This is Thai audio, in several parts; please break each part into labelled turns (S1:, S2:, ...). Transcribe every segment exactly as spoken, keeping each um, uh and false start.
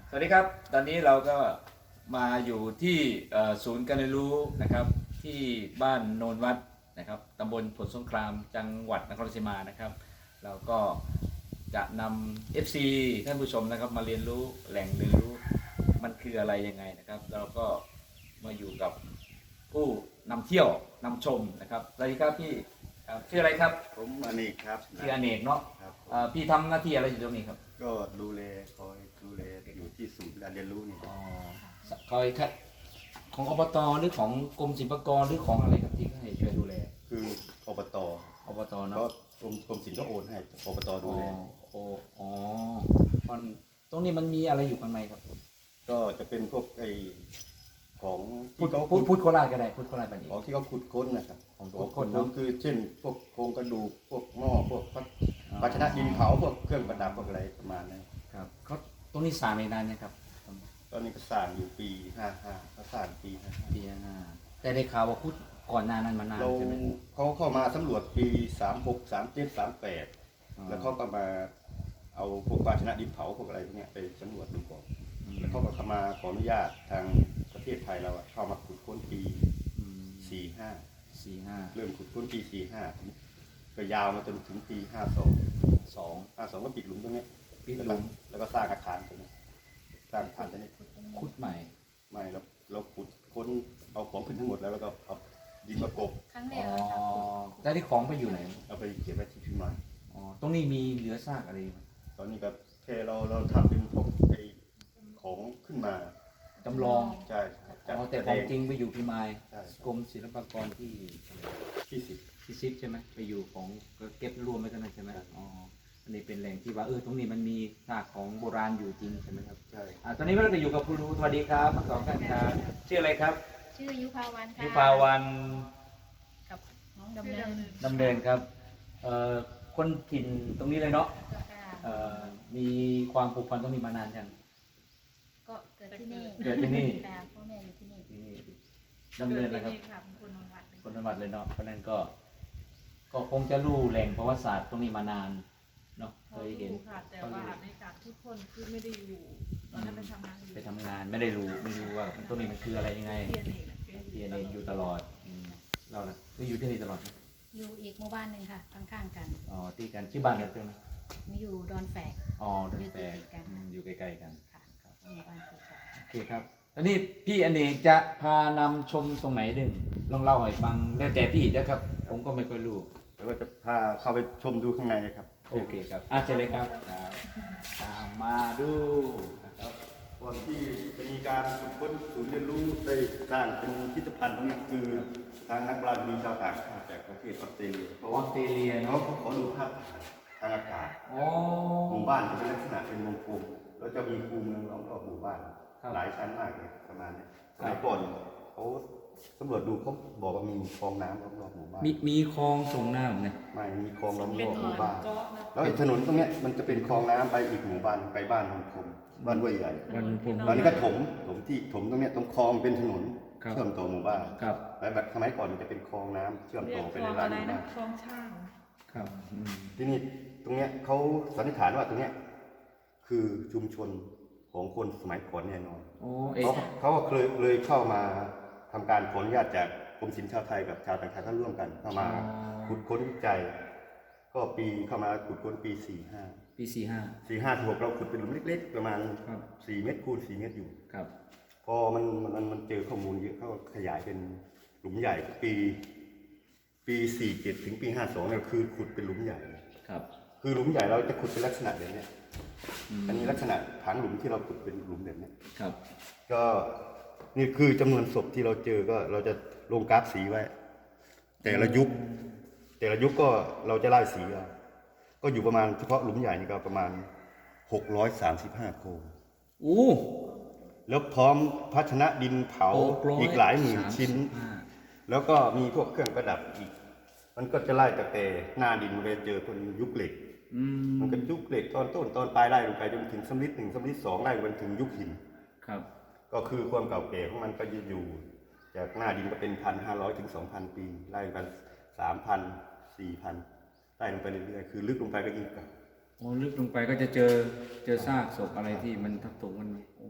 S1: สวัสดีครับตอนนี้เราก็มาอยู่ที่ศูนย์การเรียนรู้นะครับที่บ้านโนนวัดนะครับตำบลผลสงครามจังหวัดนครราชสีมานะครับเราก็จะนำ เอฟ ซี ท่านผู้ชมนะครับมาเรียนรู้แหล่งเรียนรู้มันคืออะไรยังไงนะครับเราก็มาอยู่กับผู้นำเที่ยวนำชมนะครับสวัสดีครับพี่ชื่ออะไรครับ
S2: ผมอเนกครับ
S1: ชื่ออเนกเนาะพี่ทำหน้าที่อะไรอยู่ตรงนี้ครับ
S2: ก็ดูแลคอยดูแลอยู่ที่ศูนย์การเรียนรู้นี่
S1: อ๋อคอยคัดของอบตหรือของกรมศิลปากรหรือของอะไรครับที่ให้ช่วยดูแล
S2: คืออบต
S1: อบตเนาะ
S2: ก็กรมกรมศิลป์ก็โอนให้อบตดูแล
S1: โอ้อ๋อมันตรงนี้มันมีอะไรอยู่ข้างในครับ
S2: ก็จะเป็นพวกไอของ
S1: พูด
S2: ที่เขา
S1: พูดพูดโคราชก็ได้พูดโคราชแบบนี้
S2: ของที่เขาขุดค้นนะครับ
S1: ของ
S2: ขุด
S1: ค้น
S2: ค้
S1: เนาะ
S2: นคือเช่นพวกโครงกระดูกพวกหม้อพวกภาชนะดินเผาพวกเครื่องประดับพวกอะไรประมาณนั้น
S1: ครับเขาตรงนี้สร้างในนานเนี่ยครับ
S2: ตอนนี้ก็สร้างอยู่ปีห้าห้าเขาสร้างปีห้าห้า
S1: ปีห้าแต่ได้ข่าวว่าพูดก่อนหน้านั้นมานาน
S2: เรา
S1: ใช่ไหม
S2: เขาเข้ามาสำรวจปีสามหกสามเจ็ดสามแปดแล้วเขาก็มาเอาพวกภาชนะดินเผาพวกอะไรพวกนี้ไปสำรวจดูก่อนแล้วเขาก็เข้ามาขออนุญาตทางประเทศไทยเราเข้ามาขุดค้นปีสี่ห้า
S1: สี่ห้า
S2: เริ่มขุดค้นปีสี่ห้าก็ยาวมาจนถึงปีห้าสองสองห้าสองก็ปิดหลุมตรงนี้
S1: ปิดหลุม
S2: แล้วก็สร้างอาคารตรงนี้สร้างอาคารตรงนี้
S1: ขุดใหม่
S2: ไม่เราเราขุดค้นเอาของขึ้นทั้งหมดแล้วแล้วก็เอาดินมากบ
S3: ครั้งแรก
S1: อ๋อแต่ที่ของไปอยู่ไหน
S2: เอาไปเก็บไว้ที่พิมาน
S1: อ๋อตรงนี้มีเหลือซากอะไรไหม
S2: ตอนนี้แบบแค่เราเราทำเป็นพวกไอของขึ้นมา
S1: จำลอง
S2: ใช่
S1: อ๋อแต่ของจริงไปอยู่พิมาย
S2: ใช่
S1: กรมศิลปากรที่
S2: ที่สิบ
S1: ที่ซิปใช่ไหมไปอยู่ของก็เก็บรวมไว้กันนะใช่ไหมอ๋ออันนี้เป็นแหล่งที่ว่าเออตรงนี้มันมีซากของโบราณอยู่จริงใช่ไหมครับ
S2: ใช่
S1: อ่าตอนนี้เราจะอยู่กับครูสวัสดีครับทั้งสองท่านครับชื่ออะไรครับ
S3: ชื่อยุภาวันค่ะ
S1: ยุภาวัน
S3: กับน้องดำเนิน
S1: ดำเนินครับเอ่อคนถิ่นตรงนี้เลยเนาะเอ่อมีความผูกพันต้องมีมานานยัง
S3: ก็เกิดที่นี่
S1: เกิดที่นี่
S3: แต่พ่อแม่อยู่ที่นี่
S1: ดำเนินนะครับ
S3: คนจังหวัด
S1: คนจังหวัดเลยเนาะเพราะนั้นก็ก็คงจะรู้แหล่งประวัติศาสตร์ตรงนี้มานานเนาะเคยเห็น
S4: แต่ว่าในการทุกคนคือไม่ได้อยู่ตอนนั้นไปทำงานอยู่
S1: ไปทำงานไม่ได้รู้ไม่รู้ว่าตรงนี้มันคืออะไรยังไง
S4: เรียนเอง
S1: เรียนเองอยู่ตลอดเราน่ะก็อยู่ที่นี่ตลอด
S3: อยู่อีกหมู่บ้านหนึ่งค่ะข้างๆกัน
S1: อ๋อที่กันที่บ้านเนี่ยตรงนี้
S3: มีอยู่ดอนแฝก
S1: อ๋อดอนแฝกอยู่ใกล้ๆกัน
S3: ค่ะหมู่บ้านคือ
S1: โอเคครับตอนนี้พี่อเนกจะพานำชมตรงไหนดึงลองเล่าให้ฟังแล้วแต่พี่นะครับ ผมก็ไม่ค่อยรู้
S2: แล้วก็จะพาเข้าไปชมดูข้างในครับ
S1: โอเคครับอาเชิญเลยครับตามมาดู
S2: นะครับก่อนที่จะมีการฝึกค้นศูนย์เรียนรู้ได้สร้างเป็นพิพิธภัณฑ์ตรงนี้คือทางนักปราชญ์มีชาวต่างชาติจากประเทศออสเตรเลีย
S1: ออสเตรเลีย
S2: เขาขอดูภาพทางอากาศหมู่บ้านจะเป็นลักษณะเป็นวงกลมแล้วจะมีคูเมืองล้อมรอบหมู่บ้านหลายชั้นมากเลยประมาณนี้สมัยก่อนเขาตำรวจดูเขาบอกว่ามีคลองน้ำล้อมรอบหมู่บ้าน
S1: มีมีคลองส่งน้ำเนี่ย
S2: ไม่มีคลองล้อมรอบหมู่บ้านแล้วถนนตรงนี้มันจะเป็นคลองน้ำไปอีกหมู่บ้านไปบ้านนนทมบ้านห้วยใหญ่ตอนนี้ก็ถมถมที่ถมตรงนี้ตรงคลองเป็นถนนเชื่อมต่อหมู่บ้านแล้วแบบสมัยก่อนมันจะเป็นคลองน้ำเชื่อมต่อไปในหลายหมู่บ้าน
S4: คลองช่าง
S1: ครับ
S2: ที่นี่ตรงนี้เขาสันนิษฐานว่าตรงนี้คือชุมชนของคนสมัยก่อนแน่นอนเขาเขาก็เคยเลยเข้ามาทำการขออนุญาตจากกรมศิลป์ชาวไทยกับชาวต่างชาติท่านร่วมกันเข้ามาขุดค้นวิจัยก็ปีเข้ามาขุดค้นปีสี่ห้า
S1: ปีสี่ห้า
S2: สี่ห้าหกเราขุดเป็นหลุมเล็กๆประมาณสี่เมตรคูณสี่เมตรอยู่
S1: ครับ
S2: พอมันมันมันเจอข้อมูลเยอะเขาขยายเป็นหลุมใหญ่ปีปีสี่เจ็ดถึงปีห้าสองเนี่ยคือขุดเป็นหลุมใหญ่
S1: ครับ
S2: คือหลุมใหญ่เราจะขุดเป็นลักษณะแบบนี้อันนี้ลักษณะผางหลุมที่เราขุดเป็นหลุมแบบนี้
S1: ครับ
S2: ก็นี่คือจำนวนศพที่เราเจอก็เราจะลงกราฟสีไว้ แต่ละยุคแต่ละยุคก็เราจะไล่สีเอาก็อยู่ประมาณเฉพาะหลุมใหญ่นี่ก็ประมาณหกร้อยสามสิบห้าโครง
S1: อู้
S2: แล้วพร้อมภาชนะดินเผาอีกหลายหมื่นชิ้นแล้วก็มีพวกเครื่องประดับอีกมันก็จะไล่ตั้งแต่หน้าดินไปเจอคนยุคเหล็กมันก็ยุคเหล็กตอนต้นตอนปลายไล่ลงไปจนถึงสำริดหนึ่งสำริดสองไล่ไปถึงยุคหิน
S1: ครับ
S2: ก็คือความเก่าแก่ของมันก็จะอยู่จากหน้าดินก็เป็นพันห้าร้อยถึงสองพันปีไล่กันสามพันสี่พันไล่ลงไปเรื่อยๆคือลึกลงไปก็ยิ่งเก่า
S1: โอ้ลึกลงไปก็จะเจอเจอซากศพอะไรที่มันทับถมกันโอ้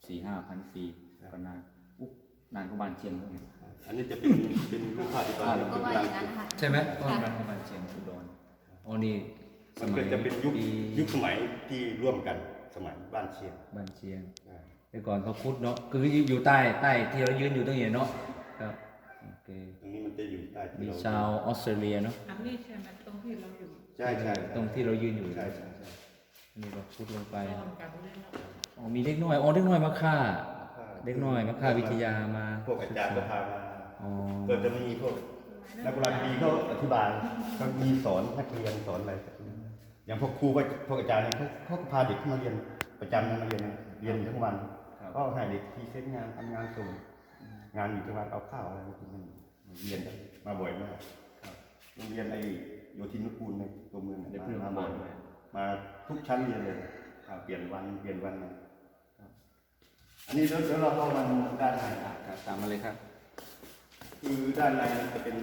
S1: สี่ห้าพันปีก็นานอุ๊บนานกว่าบ้านเชียงเลย
S2: อันนี้จะเป็นเป็นรูปภาพที่ตอน
S3: ก็
S2: เป็น
S3: ว่า
S2: ดั
S3: อง ย่างนั้นนะคะ
S1: ใช่ไหมก็นานกว่าบ้านเชียงอุดรอ๋อนี่ส
S2: มัน
S1: มั
S2: ก็
S1: ย
S2: จะเป็นยุค
S1: ปี
S2: ยุคสมัยที่ร่วมกันสมัยบ้านเชียง
S1: บ้านเชียง
S2: อ่า
S1: แต่ก่อนเขาคุดเนาะคืออยู่ใต้ใต้ที่เรายืนอยู่ตรงนี้เนาะครับโอเค
S2: ตรงนี้มันจะอยู่ใต้ที่
S1: มี
S2: เรา
S1: ชาวออสเตรเลียเนาะ
S4: อันนี้ใช่ไหมตรงที่เราอยู่
S2: ใช่ใช่
S1: ตรงที่เรายืนอยู่
S2: ใช่ใช่ใช่
S1: นี่เราคุดลงไป
S4: รวมกันเลยเนาะ
S1: อ๋อมีเด็กน้อยอ๋อเด็กน้อยมาฆ่าเด็กน้อยมาฆ่าวิทยามา
S2: พวกอาจารย์ก็พามา
S1: อ๋อ
S2: ก็จะมีพวกนักโบราณคดีเขาอธิบายเขามีสอนนักเรียนสอนอะไรอย่างพวกครูพวกอาจารย์เนี่ยเขาเขาก็พาเด็กเข้ามาเรียนประจำนะมาเรียนเรียนอยู่ทั้งวันก็ให้เด็กพรีเซนต์งานทำงานส่งงานอยู่ทั้งวันเอาข้าวอะไรมากินเรียนมาบ่อยมากโรงเรียนไอ้โยธินนุกูลในตัวเมือง
S1: ได้
S2: เนี่ย
S1: เพื่อน
S2: มา
S1: มา
S2: บ่
S1: บ่
S2: อ
S1: อย ย
S2: มาทุกชั้นเรียนเลยครับเปลี่ยนวันเปลี่ยนวันมาอันนี้เดี๋ยวเดี๋ยวเราเข้ามาด้านใน
S1: ครับตามมาเลยครับ
S2: คือด้านในจะเป็น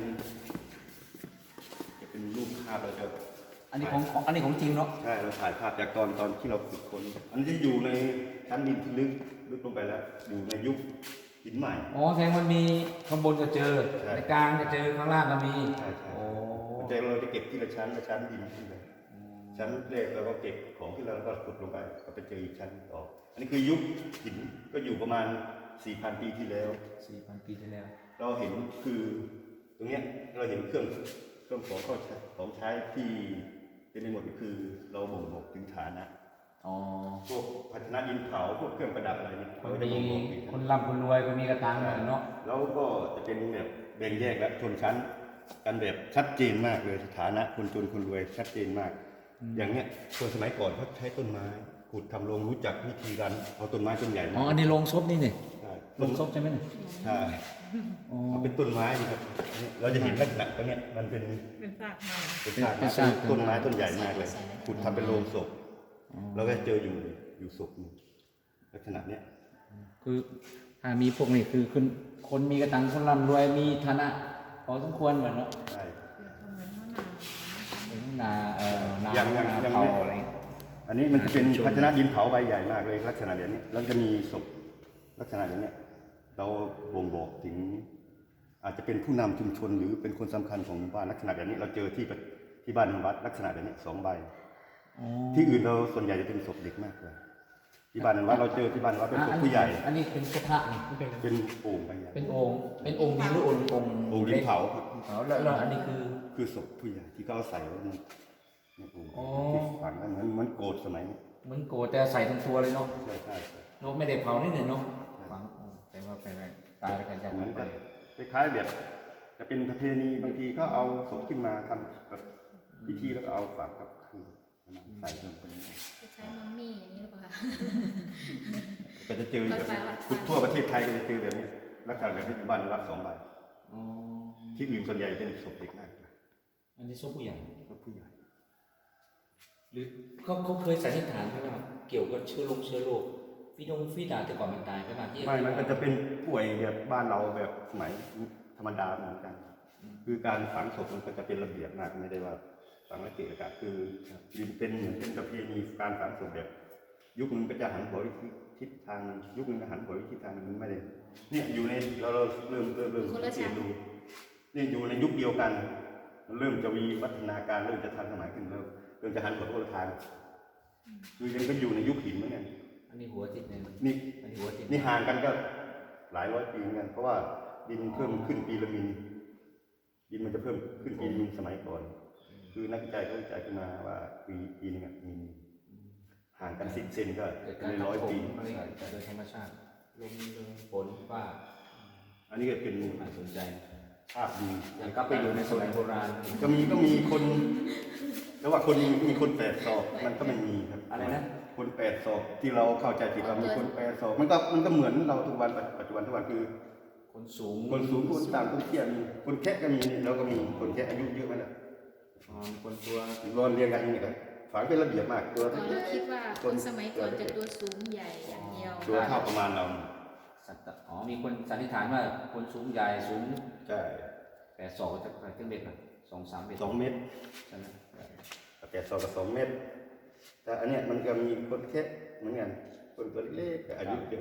S2: จะเป็นรูปภาพเราจะ
S1: อันนี้ของของอันนี้ของจริงเนาะ
S2: ใช่เราถ่ายภาพจากตอนตอนที่เราขุดค้นอันนี้จะอยู่ในชั้นดินที่ลึกลึกลงไปแล้ว อยู่ในยุคหินใหม่
S1: อ๋อแสดงมันมีข้างบนก็เจอ
S2: ใช่
S1: ในกลางก็เจอข้างล่างก็มี
S2: ใช่ใช่
S1: โอ้
S2: มันจะเราจะเก็บที่ละชั้นละชั้นดินขึ้นไปชั้นแรกเราก็เก็บของที่เราแล้วก็ขุดลงไปก็ไปเจออีกชั้นต่ออันนี้คือยุคหินก็อยู่ประมาณ สี่พัน ปีที่แล้ว
S1: สี่พันปีที่แล้ว
S2: เราเห็นคือตรงเนี้ยเราเห็นเครื่องเครื่องของเข้าใช้ของใช้ที่เต็มไปหมดก็คือเราบ่งบอกถึงฐานะ
S1: อ๋อ
S2: พวกภาชนะดินเผาพวกเครื่องประดับอะไรเนี่ย
S1: คน
S2: เราจะ
S1: มี
S2: บ่งบอกถึง
S1: คนร่ำคนรวยคนมีกระตังเนาะ
S2: แล้วก็จะเป็นแบบแบ่งแยกและชนชั้นกันแบบชัดเจนมากเลยฐานะคนจนคนรวยชัดเจนมาก อย่างเนี้ยคนสมัยก่อนเขาใช้ต้นไม้ขุดทำโรงรู้จักวิธีการเอาต้นไม้ต้นใหญ่
S1: อ๋ออันนี้โรงศพนี่นี่
S2: ใช่
S1: โรงศพใช่ไหมเนี่ย
S2: ใช่
S1: อ๋อ
S2: มันเป็นต้นไม้นี่ครับเราจะเห็นลักษณะตรงเนี้ยมันเป็น
S4: เป็นซากไม้
S2: เป็นซากไม้เป็นต้นไม้ต้นใหญ่มากเลยขุดทำเป็นโรงศพแล้วก็เจออยู่อยู่ศพหนึ่งลักษณะเนี้ย
S1: คือถ้ามีพวกนี้คือคนคนมีกระตังคนร่ำรวยมีฐานะพอสมควรเหมือนเนาะ
S2: ใช่
S4: เหมือนมะนาว
S1: เป็นนาเอ่อนา
S2: อย่างอย่าง
S1: นา
S2: อย่าง
S1: เผา
S2: เนี้ย
S1: อะไร
S2: อันนี้มันจะเป็น
S1: ชุมชน
S2: ภาชนะดินเผาใบใหญ่มากเลยลักษณะแบบนี้แล้วจะมีศพลักษณะแบบเนี้ยเราบ่งบอกถึง อาจจะเป็นผู้นำชุมชนหรือเป็นคนสำคัญของหมู่บ้านลักษณะแบบนี้เราเจอที่ที่บ้านวัดลักษณะแบบนี้สองใบ
S1: อ๋อ
S2: ที่อื่นเราส่วนใหญ่จะเป็นศพเด็กมากเลยที่บ้านวัดเราเจอที่บ้านวัดเป็นศพผู้ใหญ่
S1: อันนี้เป็นกระทะนี่เป็น
S2: เป็นโอ่งใบใหญ่
S1: เป็นองค์เป็นองค์ดินหรือองค์องค์
S2: โอ่งดินเผาครับ
S1: เผาแล้วแล้วอันนี้คือ
S2: คือศพผู้ใหญ่ที่เขาเอาใส่ไว้ในในโอ่ง
S1: อ๋อ
S2: ที่ฝังไว้เหมือนเหมือนโกรธสมัยนี้
S1: เหมือนโกรธแต่ใส่ทั้งตัวเลยเนาะ
S2: ใช่ใช่ใช่
S1: เนาะไม่ได้เผานี่เนี่ยเนาะฝังอ๋อแต่ว่าไปไปตายแล้วกันจะ
S2: เหมือน
S1: ไป
S2: กับคล้ายๆแบบจะเป็นประเพณีบางทีก็เอาศพขึ้นมาทำแบบพิธีแล้วก็เอาฝังกับคือใส่ลงไปใน
S3: จะใช้มัมมี่อย่างนี้หรือเปล่าคะ
S2: ก็จะเจอแบบนี้ทุกทั่วประเทศไทยก็จะเจอแบบนี้ลักษณะแบบนี้อยู่บ้านวัดสองใบ
S1: อ๋อ
S2: ที่อื่นส่วนใหญ่เป็นศพเด็กมากกว่า
S1: อันนี้ศพผู้ใหญ่
S2: ศพผู้ใหญ่
S1: หรือเขาเขาเคยสันนิษฐานไหมว่าเกี่ยวกับเชื้อโรคเชื้อโรคฟีดงฟีดาแต่ก่อนมันตายใช่ไหมที่
S2: ไม่มันก็จะเป็นป่วยแบบบ้านเราแบบสมัยธรรมดาเหมือนกัน คือการฝังศพมันก็จะเป็นระเบียบมากไม่ได้ว่าฝังละเกะละกะคือดินเป็นเหมือนเป็นประเพณีการฝังศพแบบ ยุคนึงก็จะหันหัววิทิศทางยุคนึงก็หันหัววิทิศทางมันไม่ได้เนี่ยอยู่ในเราเราเริ่มเริ่มเริ่มสังเกตดูเนี่ยอยู่ในยุคเดียวกันมันเริ่มจะมีวัฒนาการเริ่มจะทันสมัยขึ้นเริ่มเริ่มจะหันหัวคนละทางคือยังก็อยู่ในยุคหินเหมือนกัน
S1: อันนี้หัวติดเนี่ย
S2: นี่
S1: อันนี้หัวติด
S2: นี่ห่างกันก็หลายร้อยปีเหมือนกันเพราะว่าดินเพิ่มขึ้นปีละมิลดินมันจะเพิ่มขึ้นปีละมิลสมัยก่อน คือนักวิจัยเขาวิจัยขึ้นมาว่าปีปีนึงอะมีห่างกันสิบเซนก็
S1: เกิด
S2: ใน
S1: การ
S2: ร้อยปี
S1: อะไรโดยธรรมชาติลมลมฝนฟ้า
S2: อันนี้ก็เป็น
S1: น่าสนใจ
S2: ภาพดี
S1: อยากกลับไปอยู่ในสมัยโบราณ
S2: ก็มีก็มีคนแต่ว่าคนมีคนแปดศอกมันก็ไม่มีครับ
S1: อะไรนะ
S2: คนแปดศอกที่เราเข้าใจผิดว่ามีคนแปดศอกมันก็มันก็เหมือนเราทุกวันปัจจุบันทุกวันคือ
S1: คนสูง
S2: คนสูงคนต่ำคนเตี้ยมีคนแค่ก็มีเราก็มีคนแค่อายุเยอะไหมล่ะ
S1: อ๋อคนตัว
S2: รอนเรียงกันอย่างนี้ครับฝังเป็นระเบียบมากตัว
S3: เราคิดว่าคนสมัยก่อนจะตัวสูงใหญ่อย่างเดียว
S2: ตัวเท่าประมาณเรา
S1: สัตว์อ๋อมีคนสันนิษฐานว่าคนสูงใหญ่สูง
S2: ใช่
S1: แปดศอกจะไปถึงเบ็ดนะสองสามเบ็ด
S2: สองเมตร
S1: ใช่ไหม
S2: แปดศอกกับสองเมตรแต่อันเนี้ยมันก็มีคนแค่เหมือนกันคนตัวเล็กแต่อายุเยอะ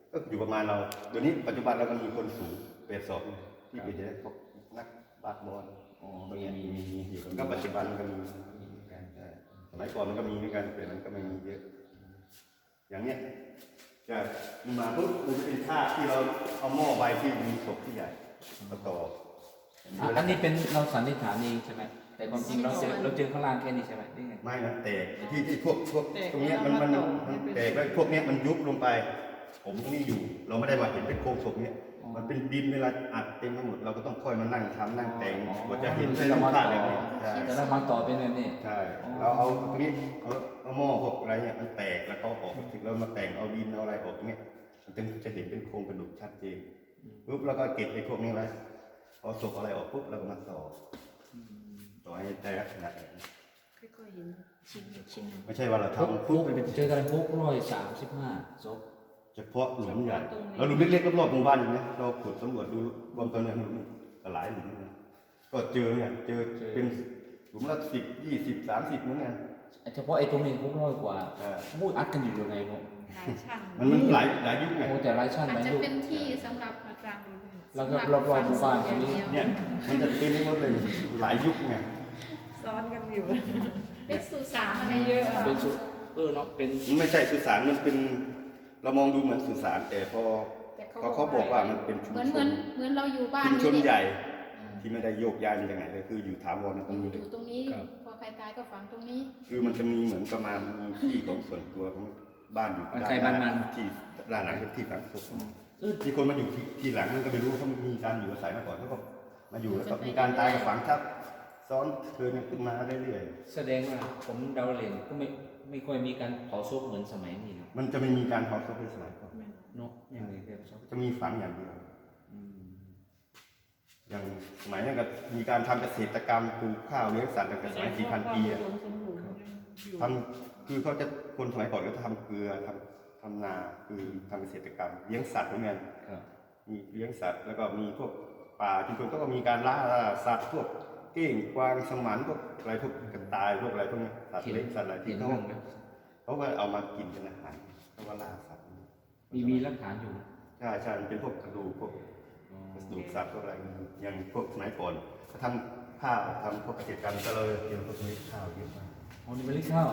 S2: ก็อยู่ประมาณเราเดี๋ยวนี้ปัจจุบันเราก็มีคนสูงเปรตสอบที่เป็นพวกนักบาสบอล
S1: อ๋อ
S2: มี
S1: มี
S2: มีมีอยู่ก็ปัจจุบันมันก็มีใช่สมัยก่อนมันก็มีเหมือนกันแต่มันก็ไม่มีเยอะ อย่างเนี้ยจะมาปุ๊บมันจะเป็นท่าที่เราเอาหม้อใบที่มีศพที่ใหญ่ประกอบ
S1: อันนี้เป็นเราสันนิษฐานเองใช่ไหมแต่ความจริงเราเจอเราเจอข้างล่างแค่นี้ใช่ไหมนี่ไง
S2: ไม่มันแตกที่ที่พวกพวกตรงเนี้ยมันมันมันแตกแล้วพวกเนี้ยมันยุบลงไป ผมตรงนี้อยู่ เราไม่ได้มาเห็นเป็นโครงศพเนี้ยมันเป็นดินเวลาอัดเต็มทั้งหมดเราก็ต้องค่อยมานั่งทำนั่งแต่งกว่าจะเห็นเป็นรูปภาพแบบนี้ใช่
S1: แต่เรามาต่อเป็นแบบนี้
S2: ใช่เราเอาตรงนี้เอาเอาหม้อพวกอะไรเนี่ยมันแตกแล้วก็ออกถึงเรามาแต่งเอาดินเอาอะไรออกเนี้ยมันจะจะเห็นเป็นโครงกระดูกชัดเจนปุ๊บแล้วก็เก็บไอ้พวกนี้ไว้พอศพอะไรออกปุ๊บเราก็มาต่อต่อให้แต่ลักษณะแบบนี้
S3: ค่อยๆเห็นชิ้นชิ้นหนึ่ง
S2: ไม่ใช่ว่าเรา
S1: ทุก
S2: ทำ
S1: ทุ
S2: ปุ๊
S1: ก
S2: บไปเป็น
S1: เจอกันทุกร้อยสามสิบห้าศพ
S2: เฉพาะหลุมใหญ่แล้วหลุมเล็กๆรอบๆหมู่บ้านอย่างเงี้ยเราขุดสำรวจดูรวมตัวเนี่ยหลุมหลายหลุมนะก็เจอเนี่ยเจอเป็นหลุมละสิบยี่สิบสามสิบเหมือนกัน
S1: เฉพาะไอ้ตรงนี้ทุกร้อยกว่า
S2: อ่า
S1: พูดอัดกันอยู่ยังไงเนาะ
S4: หลายชั้น
S2: มันมันหลายหลายยุคไง
S1: โอ้แต่หลายชั้น
S3: อา
S1: ห
S3: จ
S1: ลาย
S3: จะ
S1: ยุค
S3: เป็นที่สำหรับ
S4: อาจารย์ดูเลย
S1: แล้วก็รอบๆหมู่บ้านตรงนี้
S2: เนี่ยมันจะเป็นหมดเลยหลายยุคไง
S4: ซ้อนกันอยู่
S3: เป็นสุสานอะไรเยอะ
S1: เป็นสุเออเนาะเป็น
S2: มันไม่ใช่สุสานมันเป็นเรามองดูเหมือนสุสานแต่พอ
S3: แต่
S2: พอเขาบอกว่ามันเป็นชุม
S3: เหมือน
S2: ช
S3: เหมือน นเหมือนเราอยู่บ้าน
S2: ชุมชน
S3: นี่
S2: ใหญ่
S3: อืม
S2: ที่ไม่ได้โยกย้ายมาจากไหนเลยคืออยู่ถาวรตรงนี้
S3: อ
S2: เลย
S3: ยู่ตรงนี้พอใครตายก็ฝังตรงนี้
S2: คือมันจะมีเหมือนประมาณมีที่ของส่วนตัวของบ้านอยู่
S1: ใครบ้านมัน
S2: ที่ด้านหลังเป็นที่ฝังศพ
S1: เออ
S2: ที่คนมาอยู่ที่ที่หลังมันก็ไม่รู้เขามีการอยู่อาศัยมาก่อนเขาก็มาอยู่แล้วก็มีการตายกับฝังทับซ้อนเทินกันขึ้นมาเรื่อย
S1: แสดงว่าผมเดาเล่นก็ไม่ไม่ค่อยมีการเผาศพเหมือนสมัยนี้เนาะ
S2: ๆมันจะไม่มีการเผาศพในสมัยก่อน
S1: เนาะยังไงเรียกศพ
S2: จะมีฝังอย่างเดียว
S1: อืม
S2: อย่างสมัยนั้นก็มีการทำเกษตรกรรมปลูกข้าวเลี้ยงสัตว์ตั้งแต่สมัยสี่พันปีอะทำคือเขาจะคนสมัยก่อนก็ทำเกลือทำทำนาคือทำเกษตรกรรมเลี้ยงสัตว์เหมือนกัน
S1: ครับ
S2: มีเลี้ยงสัตว์แล้วก็มีพวกป่าชุมชนก็มีการล่าสัตว์พวกเก้งกวางสมันพวกอะไรพวกกระต่ายพวกอะไรพวกนี้สัตว์เล็กสัตว์อะไร
S1: เห็
S2: ที่
S1: น
S2: เขา
S1: เรื่องไหม
S2: เขาก็เอามากินเป็นอาหารเขาก็ล่าสัตว์
S1: มีมีหลักฐานอยู่
S2: ใช่ใช่มันเป็นพวกกระดูกพวก
S1: อ๋อ
S2: กระดูกสัตว์พวกอะไรอย่างพวกสมัยก่อนเขาทำข้าวทำพวกเกษตรกรรมก็เลยเกี่ยวกับพวกนี้ข้าวเยอะมาก
S1: อ๋อนี่เป็นลิข้าว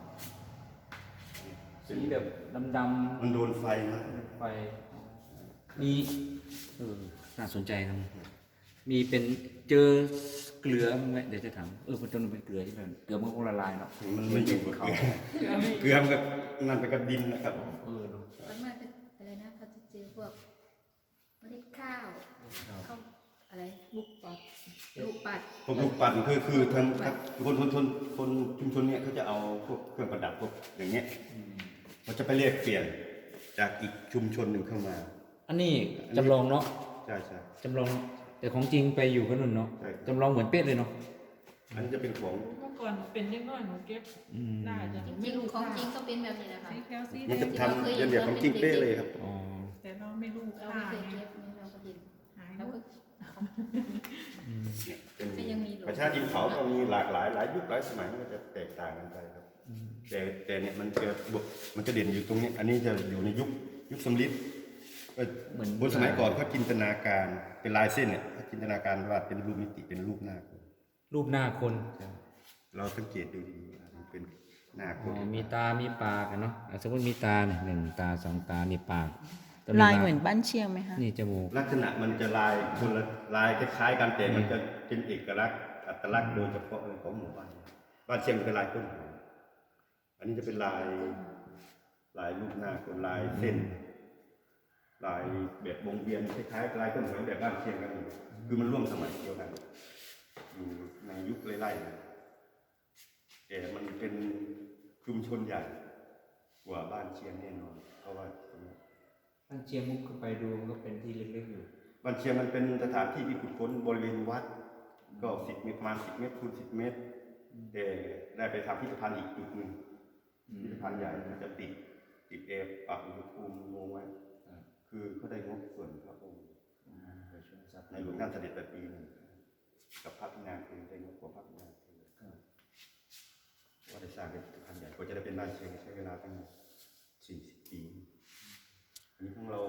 S1: สีแบบดำ
S2: มันโดนไฟมา
S1: ๆไปมีเออน่าสนใจนะมีเป็นเจอเกลือมั้ยไหมเดี๋ยวจะถามเออมันจะเป็นเกลือที่แบบเกลือมันคงละลายเนาะ
S2: มันไม่อยู่กับเกลือเกลือมันก็นั่นไปกับดินนะครับ
S1: เออเนาะ
S3: ส่วนมากเป็นอะไรนะเขาจะเจอพวกเมล็ดข้าวข้าวอะไรลูกปัดลูกปัด
S2: พวกลูกปั่นคือคือทางคนคนชนคนชุมชนเนี่ยเขาจะเอาพวกเครื่องประดับพวกอย่างเงี้ยเขาจะไปเรียกเปลี่ยนจากอีกชุมชนหนึ่งเข้ามา
S1: อันนี้จำลองเนาะ
S2: ใช่ใช่
S1: จำลองแต่ของจริงไปอยู่กันนู่นเนาะ
S2: ใช่
S1: จำลองเหมือนเป๊ะเลยเนาะ
S2: อันนี้จะเป็นของ
S4: เมื่อก่อนเป็นยังน้อยหนูเก็บ
S1: อืม
S4: น่าจะ
S3: จริงๆของจริงก็เป็นแบบนี้แหละค่ะ
S4: สีแคลซี
S2: มัน
S4: แด
S2: จะ
S4: ง
S2: ทำเรียนแบบของจริงเป๊ะเลยครับ
S1: อ๋อ
S4: แต่เราไม่รู้
S3: เรา
S4: ค่า
S3: ไม่เคย
S4: ไง
S3: เก็บนี่เราก็เห็น
S4: หาย
S3: เรา
S4: แล้ว
S3: ก็
S2: เนี่ยเป็น
S3: ก็ยังมีหลุม
S2: ประชาดินเผาก็มีหลากหลายหลายยุคหลายสมัยมันก็จะแตกต่างกันไปครับแต่แต่เนี่ยมันจะมันจะเด่นอยู่ตรงนี้ อันนี้จะอยู่ในยุคยุคสำริดเอ่อ
S1: เหมือน
S2: บนสมัยก่อนเขาจินตนาการเป็นลายเส้นเนี่ยเขาจินตนาการว่าเป็นรูปมิติเป็นรูปหน้าคน
S1: รูปหน้าคน
S2: เราสังเกตดูดีๆมันเป็นหน้าค
S1: อ๋
S2: น
S1: อมีตา มีปากอะเนาะอ่ะสมมติมีตาเนี่ยหนึ่งตาสองตา มีปากแต่
S5: ลายเหมือนบ้านเชียงไหมคะ
S1: นี่จมูก
S2: ลักษณะมันจะลายคนละลายคล้ายๆกันแต่มันจะเป็นเอกลักษณ์อัตลักษณ์โดยเฉพาะของหมู่บ้านบ้านเชียงเป็นลายต้นหอมอันนี้จะเป็นลายลายรูปหน้าคนลายเส้น ลายแบบวงเวียนคล้ายๆลายต้นหอมแบบบ้านเชียงกันอยู่คือมันร่วมสมัยเดียวกันอยู่ในยุคไล่ๆกันแต่มันเป็นชุมชนใหญ่กว่าบ้านเชียงแน่นอนเพราะว่า
S1: ท่านเชียงมุกขึ้นไปดูก็เป็นที่เล็กๆอยู่
S2: บ้านเชียงมันเป็นสถานที่ที่ขุดค้นบริเวณวัดก็สิบเมตรประมาณสิบเมตรคูณสิบเมตรแต่ได้ไปทำพิพิธภัณฑ์อีกจุดหนึ่งพิพิธภัณฑ์ใหญ่มันจะติดติดแอร์ปรับอุณหภูมิงงไว้คือเขาได้งบส่วนพระองค์ในหลวงท่านเสด็จไปปีหนึงกับพระพินาคือได้งบกว่าพระพินาคือว่าได้สร้างเป็นพิพิธภัณฑ์ใหญ่กว่าจะได้เป็นบ้านเชียงใช้เวลาตั้งสี่สิบปีอันนี้ของเรา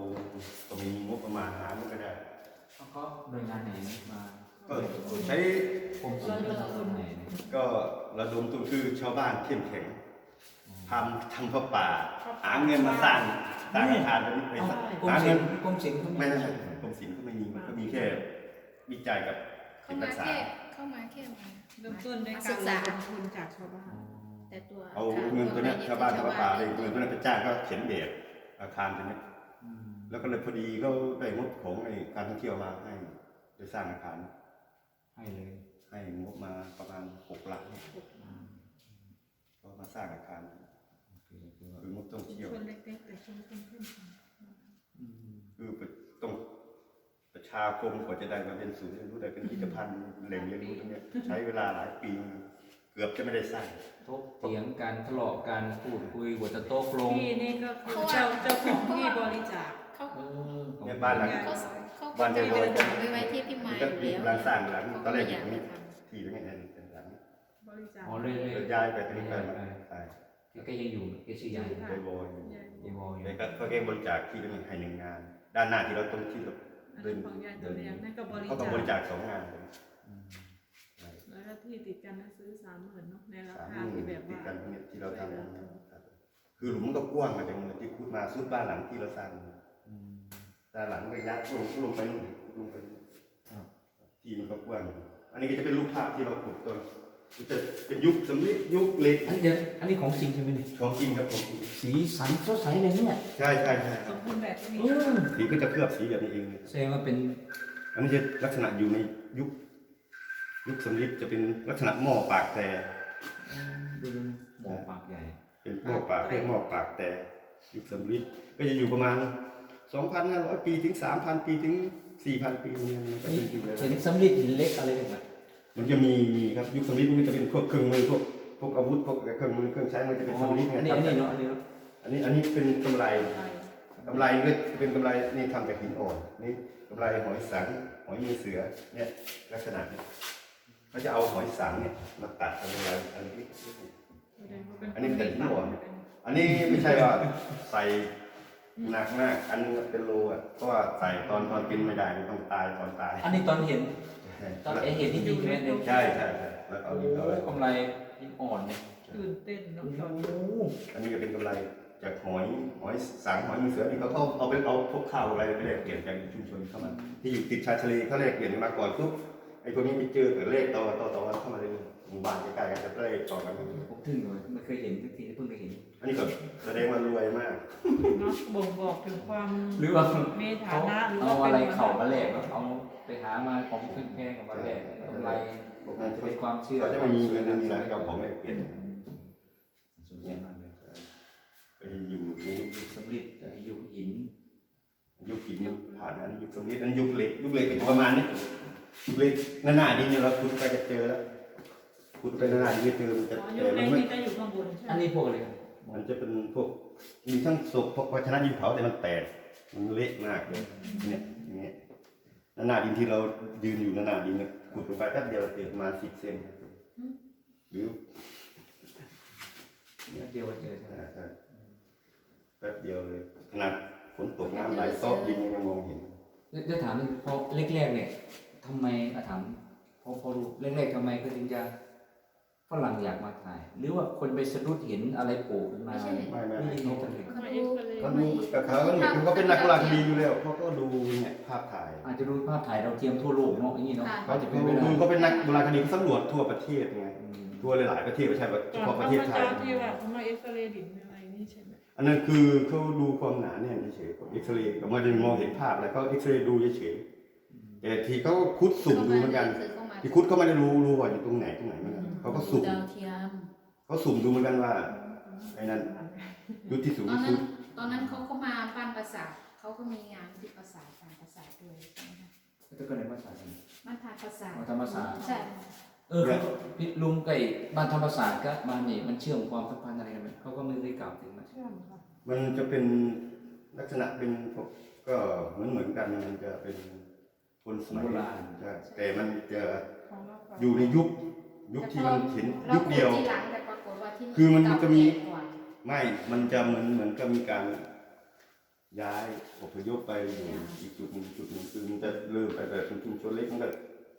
S2: ก็ใช้
S1: ผมสิงก็ทำไงเนี่ย
S2: ก็ระดมทุนคือชาวบ้านเข้มแข็งทำทำผ้าป่าหาเงินมาสร้างสร้างอาคารไปไป
S1: กรม
S2: หา
S1: ศิ
S2: เงิ
S1: ล
S2: น
S1: ป์กรมศิลป์เขา
S2: ไม่
S1: ไม่
S2: ใช่กรมศิลป์ก็ไม่มีมันก็มีแค่วิจัยกับ
S3: เข้า
S2: เก็บ
S3: มา
S2: รักษา
S3: แค่เข้ามาแค่มา
S4: เริ่มต้นด้วย
S3: มา
S4: กา
S3: ศึ
S4: ร
S3: ก
S4: ระ
S3: ษา
S4: ดมทุนจากชาวบ้าน
S3: แต่ตัว
S2: เอาเงินตัวเนี้ยชาวบ้านทำผ้าป่าเลยเงินตัวนั้นไปจ้างก็เขียนแบบอาคารตัวเนี้ยแล้วก็เลยพอดีก็ได้งบของไอ้การท่องเที่ยวมาให้ไปสร้างอาคาร
S1: ให้เลย
S2: ให้งบมาประมาณหกล้านก็มาสร้างอาคารคืองบท่อง
S4: ชุม
S2: เที่ยว
S4: ชนเล็กๆแต่ชุมชนเข้มแข็ง
S2: คือต้องประชาคมกว่าจะได้มาเป็นศูนย์เรียนรู้ได้เป็นพิพิธภัณฑ์แหล่งเรียนรู้ตรงเนี้ยใช้เวลาหลายปีเกือบจะไม่ได้สร้าง
S1: ทบเถียงกันทะเลาะกันพูดคุยกว่าจะโต๊ะลง
S4: ที่นี่ก็คือเจ้าเจ้าของที่บริจาค
S3: เขา
S1: เออของ
S2: เนี่ยบ้านหลัง
S3: เขาเขา
S2: บ้านเดียวกัน
S3: ไปไว้ที่พี่ไม้
S2: ก็
S3: อยู่
S2: มี
S3: แล้ว
S2: ร้านสร้างหลัง
S3: เขา
S2: ตอนแรกอ
S3: อยา
S2: ยู่
S3: ก
S2: นี่
S3: ท
S2: ที่ตรงนี้เป็นหลัง
S4: บริจาค
S1: อ๋อเลยเลย
S2: แล้วย้ายไปตรงนี้ไปมาใช่
S1: แกยังอยู่แกชื่อยาย
S2: ไปบอย
S4: ใหญ่
S1: ยายบอยอยู่
S2: แล้วก็เขาแก้บริจาคที่ตรงนี้ให้หนึ่งงาน ด้านหน้าที่เราตรงที่เรา
S4: อัน
S2: เดิ
S4: นั้น
S2: น
S4: ของยายตัวเลี้ยงนั่นก็บริ
S2: เขาก็
S4: จาค
S2: บริจาคสองงานเลย
S1: อืม
S4: แล้วก็ที่ติดกันนั้นซื้อสามหมื่นเนาะในรา
S2: สาม
S4: คา
S2: หมื่
S4: ที่
S2: น
S4: แบบ
S2: ติด
S4: ว่า
S2: กันตรงนี้ที่เราทำคือหลุมมันก็กว้างมาจากที่พูดมาสุดบ้านหลังที่เราสร้าง
S1: อืม
S2: ด้านหลังก็ยัดลงลงไปนู่นลงไปนู่น
S1: ครับ
S2: ที่มันก็กว้างอันนี้ก็จะเป็นรูปภาพที่เราขุดต้นมันจะเป็นยุคสำลิดยุคเหล็ก
S1: อันนี้เดี๋ยวอันนี้ของจริงใช่ไหมเนี่ย
S2: ของจริงครับของจริง
S1: สีสันสดใสเลยเนี่ย
S2: ใช่ใช่ใช่
S4: สมบูรณ์แบบนี้
S1: เออ
S2: สีก็จะเคลือบสีแบบนี้เองเลย
S1: แสดงว่าเป็น
S2: อันนี้จะลักษณะอยู่ในยุคยุคสำลิดจะเป็นลักษณะหม้อปากแต่
S1: ดูหมอปากใหญ่
S2: เป็นหม้อปากเรียกหม้อปากแต่ยุคสำลิดก็จะอยู่ประมาณ สองพันห้าร้อย ปีถึง สามพัน ปีถึง สี่พัน ปีเนี่ยมันก็เป็นอยู่แล้ว
S1: เห็นสำลิดหินเล็กอะไรกันไหม
S2: มันจะมีมีครับยุคสำลิดมันจะเป็นพวกเครื่องมือพวกพวกอาวุธพวกเครื่องมือเครื่องใช้มันจะเป็นสำลิดไง
S1: อันนี้
S2: ค
S1: อั
S2: รั
S1: น
S2: บ
S1: นี้เนาะอันนี้เนาะ
S2: อันนี้อันนี้เป็นกำไรกำไรก็จะเป็นกำไรนี่ทำจากหินอ่อนนี่กำไรหอยสังหอยมือเสือเนี่ยลักษณะเนี่ยเขาจะเอาหอยสังเนี่ยมาตัดทำกำไรอันนี้อันนี้เป็นหินอ่อนอันนี้ไม่ใช่ว่าใส่หนักมากอันนึงเป็นโลอ่ะเพราะว่าใส่ตอนตอนกินไม่ได้มันต้องตายตอนตาย
S1: อันนี้ตอนเห็นตอนเห็นจริงๆใช่ไหมเนี่ย
S2: ใช่ใช่ใช่แล้วเอา
S1: โอ้
S2: ดินเอาอะไร
S1: กำไรหินอ่อนเนี่ย
S4: ตื่นเต้นเนาะ
S1: โอ้
S4: ตอนนี้
S2: อันนี้ก็เป็นกำไรจากหอยหอยสังหอยมือเสือนี่เขาเขาเอาไปเอาพวกข้าวอะไรไปแลกเปลี่ยนจากชุมชนเข้ามาที่อยู่ติดชายทะเลเขาแลกเปลี่ยนกันมาก่อนปุ๊บไอ้พวกนี้ไปเจอเกิดเลขต่อต่อต่อเข้ามาเลยหมู่บ้านใกล้ๆกันจะเลขต่อกัน
S1: ผมถึงเลยไม่เคยเห็นสักทีเพิ่งเคยเห็น
S2: อันนี้ก็แสดงว่ารวยมาก
S4: เนาะบ่งบอกถึงความ
S1: หรือว่า
S4: มีฐา
S1: เขา
S4: นะหรือ
S1: เอา
S4: ว่า
S1: อะไร
S4: เป็น
S1: เข่ามาแลกเนอะเอาไปหามาของขึ้นแพงกับมาแลกกำไรอาจจะเป็นความเชื่อ
S2: เขาจะไม่มีเงินไม่มีอะไรเอาของแลกเปลี่ยน
S1: สนใจมากเลย
S2: ไปอยู่ในยุค
S1: สำลิดยุคหิน
S2: ยุคหินผ่านอันนี้ยุคสมัยนั้นยุคเหล็กยุคเหล็กเป็นประมาณนี้ยุคเหล็กหน้าๆดินเนี่ยเราขุดไปจะเจอแล้วขุดไปหน้าๆดินจะเจอมันจะ
S4: อ๋อยุ
S2: แต่
S4: ค
S2: มั
S4: เล็
S2: น
S4: ก
S2: ไม่
S4: นี่ก็อยู่ข้างบนใช่ไหม
S1: อันนี้พวกอะไรครับ
S2: มันจะเป็นพวกมีทั้งศพพวกภาชนะดินเผาแต่มันแตกมันเละมากเลยเนี่ยอย่างเงี้ยหน้าดินที่เรายืนอยู่หน้าดินเนี่ยขุดลงไปแป๊บเดียวเจอประมาณสิบเซนหรือ
S1: เดียวเจอใช่ไหม
S2: อ่าใช่แป๊บเดียวเลยขนาดฝนตกน้ำไหลซอกดินยังมองเห็น
S1: จะถามพอแรกๆเนี่ยทำไมอาถามพอพอรู้แรกๆทำไมก็ถึงจะฝรั่งอยากมาถ่าย หรือว่าคนไปสะดุดเห็นอะไรโผล่ขึ้นมา
S2: ไม่ไม่
S1: ไม่ยินดีกันเลย
S3: เขาดู
S2: เขาดูกับเขาเนี่ยคือเขาเป็นนักโบราณคดีอยู่แล้วเขาก็ดูเนี่ยภาพถ่าย
S1: อาจจะดูภาพถ่ายเราวเทียมทั่วโลกเนาะอย่างนี้เนาะ
S2: เขา
S1: จะ
S2: จะ
S1: เป็
S2: เป็น น
S1: ไปได้
S2: เขาเป็นนักโบราณคดีเขาสำรวจทั่วประเทศไง
S1: อืม
S2: ทั่วหลายๆประเทศไม่ใช่เฉ
S4: ก่อน
S2: พาะป
S4: เขา
S2: ระเทศ
S4: มา
S2: ไท
S4: เจอย ที่ว่าเขามาเอ็กซเรย์ดินอะไรนี่ใช่ไหม
S2: อันนั้นคือเขาดูความหนาแน่นเฉยๆเอ็กซเรย์เขาไม่ได้มองเห็นภาพอะไรเขาเอ็กซเรย์ดูเฉยๆแต่ทีเขาคุดสุ่มดูเหมือนกันที่คุดเขาไม่ได้รู้รู้ว่าอยู่ตรงไหนตรงไหนเหมือนกันเขาก็สุ่ม
S3: ดาวเทียม
S2: เขาสุ่มดูเหมือนกันว่าไอ้นั้นยุทธที่สูง
S3: ตอน
S2: ที่
S3: นั้
S2: สุ
S3: น
S2: ด
S3: ตอนนั้นเขาก็มาบ้านประสาทเขาก็มีงานที่ประสาทการประสาทด้วยใช่ไหมคะ
S1: แล้วก็ในภาษาอังกฤษ
S3: บ้านทางประสาท
S1: อ๋อธรรมศาสตร์
S3: ใช่
S1: เออเขาพี่ลุงไก่บ้านธรรมศาสตร์ก็มานี่มันเชื่อมความสัมพันธ์อะไรกันไหมเขาก็ไม่ได้กล่าวถึงมัน
S4: เชื่อมค่ะ
S2: มันจะเป็นลักษณะเป็นพวกก็เหมือนเหมือนกันมันจะเป็นคนสมัย
S1: โบราณ
S2: ใช่แต่มันจะ
S4: ของเราก่อน
S2: อยู่ในยุคยุคที่มันเห็นยุคเดียว
S3: ราขุที่หลังแต่ปรากฏว่าที่
S2: คือมันจะมี
S3: เก่าแก่กว่า
S2: ไม่ มันจะเหมือนเหมือนกับมีการย้ายอพยพไปอยู่อีกจุดหนึ่งจุดหนึ่งคือมันจะเริ่มไปแบบเป็นชุมชนเล็กมันก็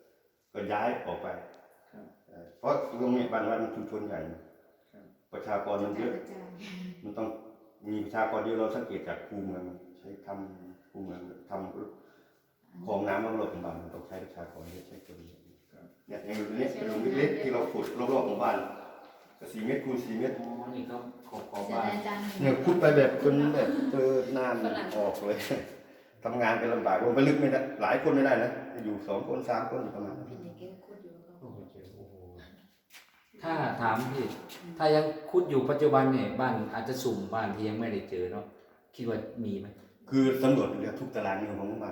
S2: ก็ย้ายออกไป
S1: ครับ
S2: เอ่อเพราะตรงนี้บ้านวัดมันชุมชนใหญ่
S1: ครับ
S2: ประชากรมันเยอะ
S3: กระจาย
S2: มันต้องมีประชากรเยอะเราสังเกตจากคูเมืองใช้ทำคูเมืองทำคลองน้ำรอบๆหมู่บ้านมันต้องใช้ประชากรเยอะใช้คนเยอะเนี่ยอย่างนี้เป็นหลุมเล็กๆที่เราขุดรอบๆหมู่บ้านก็สี่เมตรคูณสี่เมตร
S1: อ๋อนี่ครับขอบขอบ
S3: เสีย
S1: บ้าน
S3: ดายจัง
S2: เนี่ยขุดไปแบบจนแบบเจอน้ำออกเลย ทำงานกันลำบากลงไปลึกไม่ได้หลายคนไม่ได้นะอยู่สองคนสามคนอยู่ประมาณนั้น
S3: พี่เด็กแกคุดอยู่ก็
S2: โอ้โหเจ๋งโอ้โห
S1: ถ้าถามพี่ถ้ายังคุดอยู่ปัจจุบันเนี่ยบ้านอาจจะสุ่มบ้านที่ยังไม่ได้เจอเนาะคิดว่ามีไหม
S2: คือสำรวจเรือทุกตารางนิ้วของหมู่บ้าน